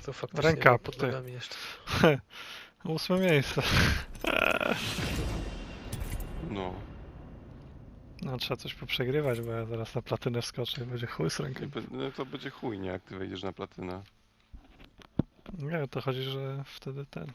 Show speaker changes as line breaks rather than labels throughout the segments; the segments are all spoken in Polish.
tu faktycznie
Ręka
pod
ty.
nogami jeszcze.
8 miejsce.
No.
No trzeba coś poprzegrywać, bo ja zaraz na platynę wskoczę i będzie chuj z ręką.
No to będzie chuj, nie? Jak ty wejdziesz na platynę.
Nie, to chodzi, że wtedy ten...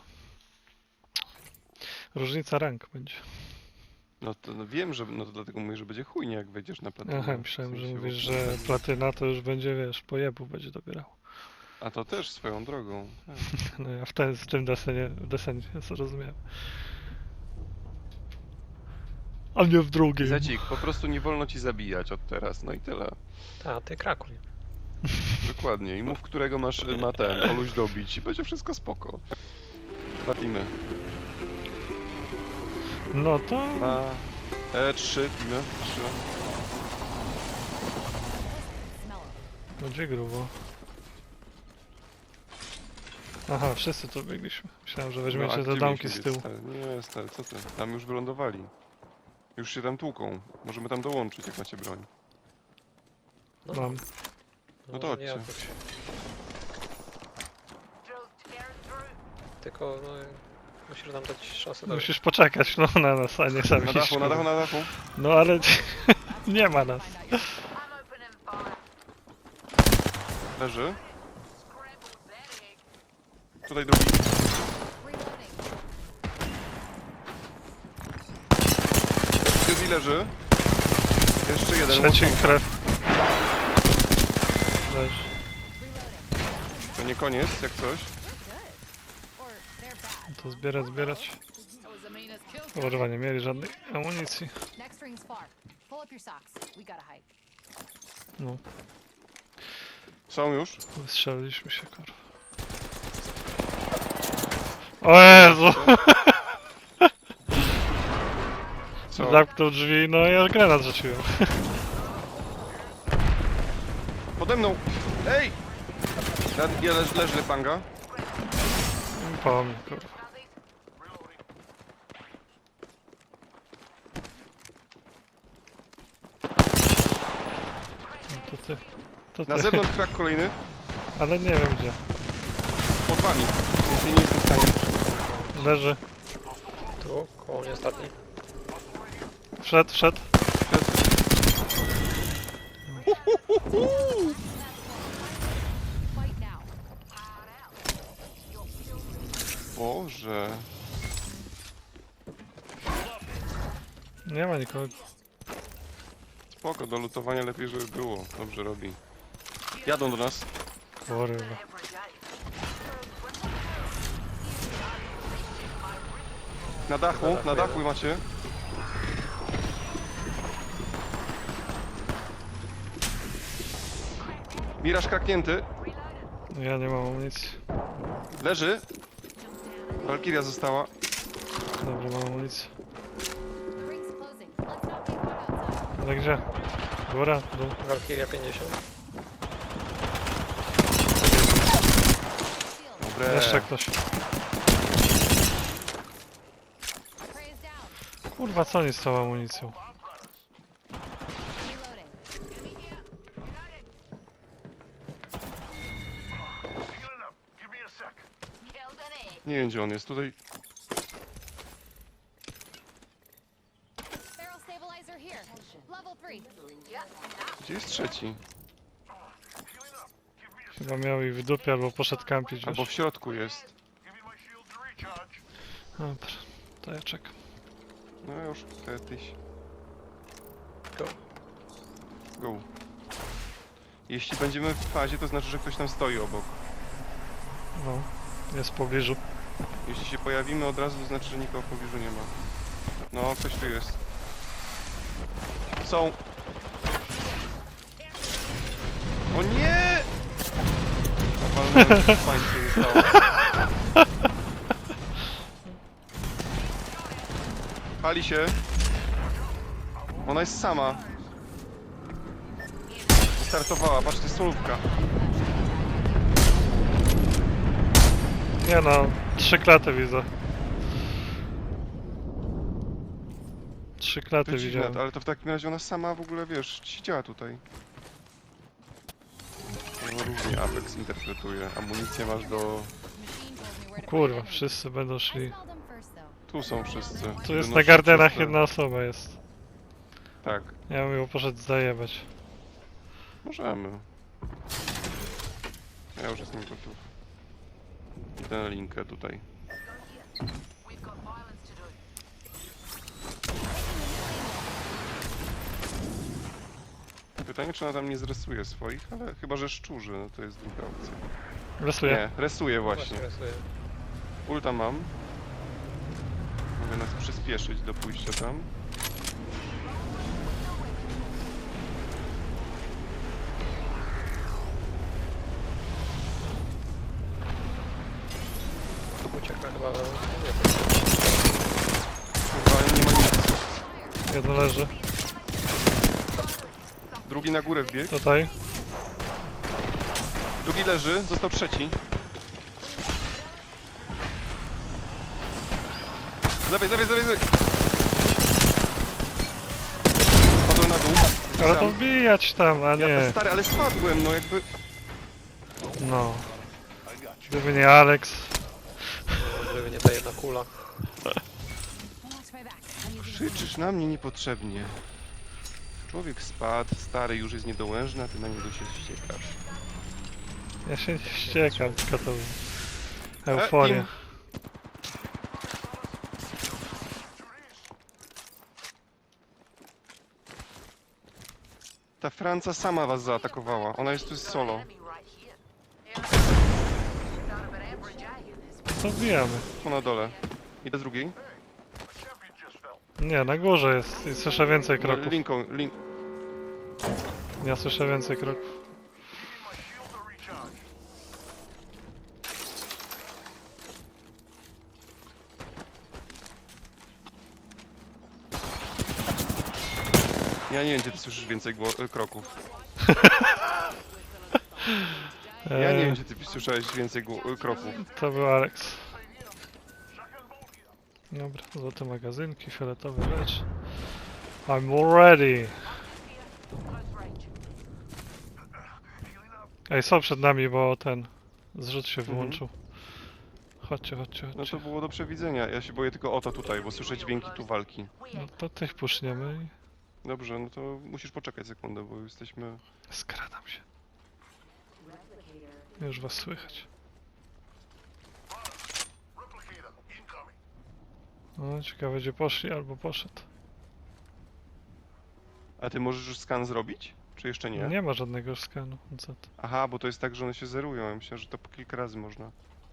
Różnica rank będzie.
No to no wiem, że no to dlatego mówię, że będzie chuj, nie? Jak wejdziesz na platynę.
Aha,
W
myślałem, że
sensie,
mówisz,
bo
że
platynę-
platyna to już będzie, wiesz, pojebu będzie dobierał.
A to też swoją drogą. Tak.
No ja w tym desenie zrozumiałem. A nie w drugim.
Zacik, po prostu nie wolno ci zabijać od teraz, no i tyle.
A, ty krakuj.
Dokładnie. I mów, którego ma ten, Oluś dobić i będzie wszystko spoko. Platimy.
No to...
Trzy, teamy, 3.
Będzie grubo. Aha, wszyscy tu biegliśmy. Myślałem, że weźmiecie te domki z tyłu.
Nie, stary, co ty? Tam już wylądowali. Już się tam tłuką. Możemy tam dołączyć, jak macie broń.
Mam.
No to
nie
chodźcie.
jakoś. Tylko, no, musisz nam dać szansę.
Musisz poczekać, no, na nas, a nie sami
Na dachu,
iść,
na dachu, na dachu.
No ale nie ma nas.
Leży. Tutaj drugi. Drugi leży. Jeszcze jeden.
Trzeci
Łączą.
krew. Weź.
To nie koniec, jak coś.
To zbierać. Kurwa, nie mieli żadnej amunicji. No,
Są już.
wystrzeliliśmy się, kurwa. O Jezu!
Co?
Zamknął drzwi, no ja granat rzuciłem.
Pode mną! Ej! Leży panga.
Po mnie, kurwa. No to ty. To ty.
Na zewnątrz krak kolejny.
Ale nie wiem gdzie.
Pod wami. Więc nie jestem w stanie.
Leży.
Tu, koło mnie ostatni.
Wszedł.
Boże.
Nie ma nikogo.
Spoko, do lutowania lepiej, żeby było. Dobrze robi. Jadą do nas.
Kurwa.
Na dachu macie. Miraż kraknięty.
Ja nie mam amunicji.
Leży. Walkiria została.
Dobra, mam amunicję. Ale gdzie? Góra? Dół?
Valkyria 50.
Dobre.
Jeszcze ktoś. Kurwa, co oni z tą amunicją?
Nie wiem, gdzie on jest. Tutaj. Gdzie jest trzeci?
Chyba miał ich w dupie albo poszedł kampić
Albo
już.
w środku jest.
Dobra, to ja czekam.
No już, kiedyś.
Go.
Go. Jeśli będziemy w fazie, to znaczy, że ktoś tam stoi obok.
No, jest w pobliżu.
Jeśli się pojawimy od razu, to znaczy, że nikogo w pobliżu nie ma. No, ktoś tu jest. Są. O nie! Walnąłem, fajnie się nie stało. Pali się. Ona jest sama. Startowała, patrz, to jest solówka.
Nie no, 3 klaty widzę. 3 klaty
To dziwne,
widziałem.
ale to w takim razie ona sama w ogóle, wiesz, siedziała tutaj. No, różnie Apex interpretuje. Amunicję masz do...
O kurwa, wszyscy będą szli.
Tu są wszyscy.
Tu jest
Wynoszą
na gardenach
czyste.
jedna osoba jest.
Tak,
Ja bym ją poszedł zajebać.
możemy. Ja już jestem gotów. Idę na linkę tutaj. Pytanie, czy ona tam nie zresuje swoich, ale chyba, że szczurzy, no to jest druga opcja.
Rysuję.
Nie, resuje właśnie.
rysuję.
Ulta mam. Mogę nas przyspieszyć do pójścia tam.
Ucieka chyba... Nie,
Kurwa, nie ma nic.
Jeden leży.
Drugi na górę wbiegł.
Tutaj.
Drugi leży, został trzeci. Z lewej, z lewej, z lewej, z lewej. Padłem na dół.
Ale to
Sam.
wbijać tam, a nie.
Stary, ale spadłem, no jakby...
No. Gdyby nie Alex.
gdyby nie ta jedna kula.
Krzyczysz na mnie niepotrzebnie. Człowiek spadł, stary już jest niedołężny, a ty na niego się ściekasz.
Ja się nie ściekam, tylko to... Euforia.
im. Ta Franca sama was zaatakowała. Ona jest tu solo.
To wbijamy.
Tu na dole. Idę z drugiej.
Nie, na górze jest. I słyszę więcej kroków.
Linką,
Ja słyszę więcej kroków.
Ja nie wiem, gdzie ty słyszysz więcej kroków. Ja nie wiem, gdzie ty słyszałeś więcej kroków.
To był Alex. Dobra, złote magazynki, fioletowy lecz. I'm all ready. Ej, są przed nami, bo ten zrzut się wyłączył. Chodźcie, chodźcie,
No
chodźcie.
to było do przewidzenia. Ja się boję tylko o to tutaj, bo słyszę dźwięki tu walki.
No to tych puszniemy i
Dobrze, no to musisz poczekać sekundę, bo jesteśmy...
skradam się. Już was słychać. No, ciekawe gdzie poszli albo poszedł.
A ty możesz już skan zrobić? Czy jeszcze nie?
Nie ma żadnego skanu. Co to?
Aha, bo to jest tak, że one się zerują. Ja myślę, że to po kilka razy można.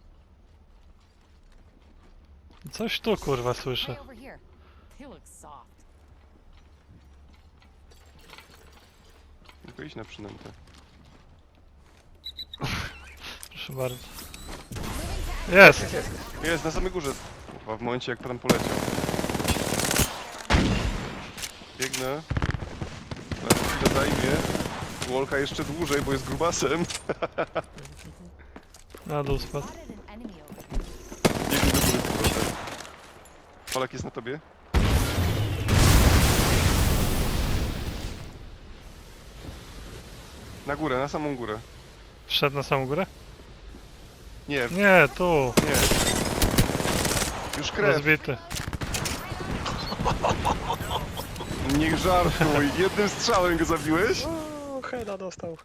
Coś tu kurwa słyszę.
Tylko iść na przynętę.
Proszę bardzo. Jest!
Jest, na samej górze. Kurwa, w momencie jak tam poleciał. Biegnę. Teraz chwilę zajmie. Wolka jeszcze dłużej, bo jest grubasem.
Na dół spadł.
Biegnę do góry z powrotem. Polak jest na tobie? Na górę, na samą górę.
Wszedł na samą górę?
Nie,
Nie, tu.
nie. Już krew.
Rozbity.
Nie żartuj. Jednym strzałem go zabiłeś?
O, heada dostał.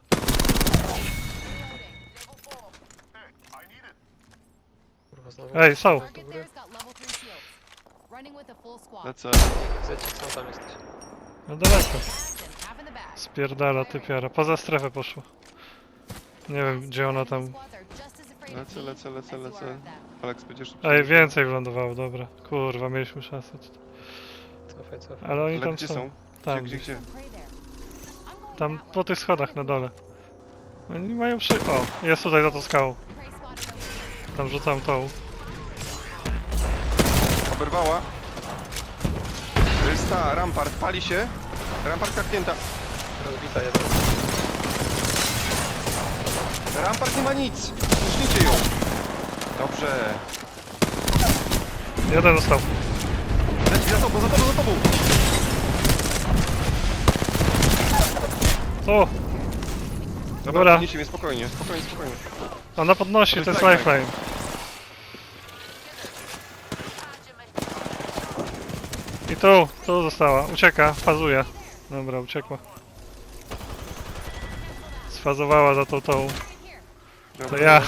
Kurwa, znowu.
Ej, są.
Do góry.
Lecę.
Zecik, co tam jesteś?
No daleko. Spierdala typiara. Poza strefę poszło. Nie wiem gdzie ona tam...
Lecę. Aleks, będziesz...
Ej, więcej wylądowało, dobra. Kurwa, mieliśmy szansę.
Cofaj.
Ale oni
Ale
tam
gdzie
są.
są?
Tam,
Gdzie?
tam po tych schodach na dole. Oni mają O, jest tutaj za tą skałą. Tam rzucam tą.
Oberwała. To jest ta, Rampart, pali się. Rampart kapnięta.
Rozbita jeden.
Rampart nie ma nic. Puśnijcie ją. Dobrze.
Jeden został.
Leci za tobą.
O! Dobra.
podnieście mnie spokojnie, spokojnie, spokojnie.
Ona podnosi, to jest
lifeline.
lifeline. I tu została. Ucieka, fazuje. Dobra, uciekła. Sfazowała za tą. To
Dobra,
ja.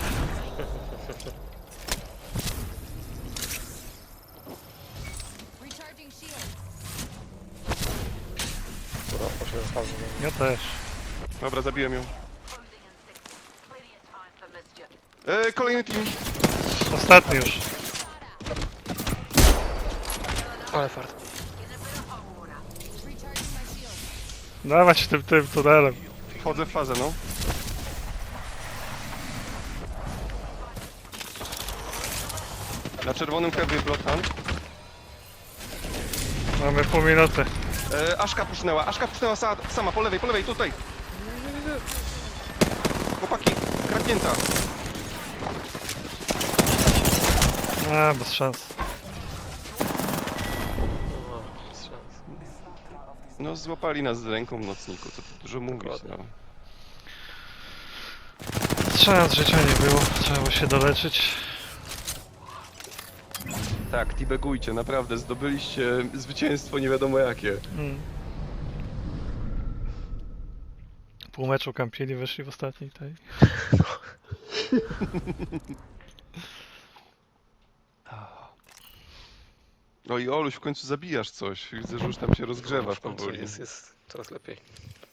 Kurwa, poszedłem w fazę.
Ja też.
Dobra, zabiłem ją. Kolejny team.
Ostatni już.
Ale fart.
Dawać tym tunelem.
Wchodzę w fazę, no. Na czerwonym heavy Bloodhound.
Mamy pół minuty.
Aszka pusznęła sama, po lewej, tutaj. Chłopaki, kradnięta.
A, bez szans.
No, bez szans.
No, złapali nas z ręką w nocniku, co tu dużo mówić, no.
Bez szans, życia nie było. Trzeba było się doleczyć.
Tak, tibegujcie, naprawdę, zdobyliście zwycięstwo nie wiadomo jakie.
Pół meczu kampili, wyszli w ostatniej tej.
No i Oluś, w końcu zabijasz coś. Widzę, że już tam się rozgrzewasz
W końcu
powoli.
jest coraz lepiej.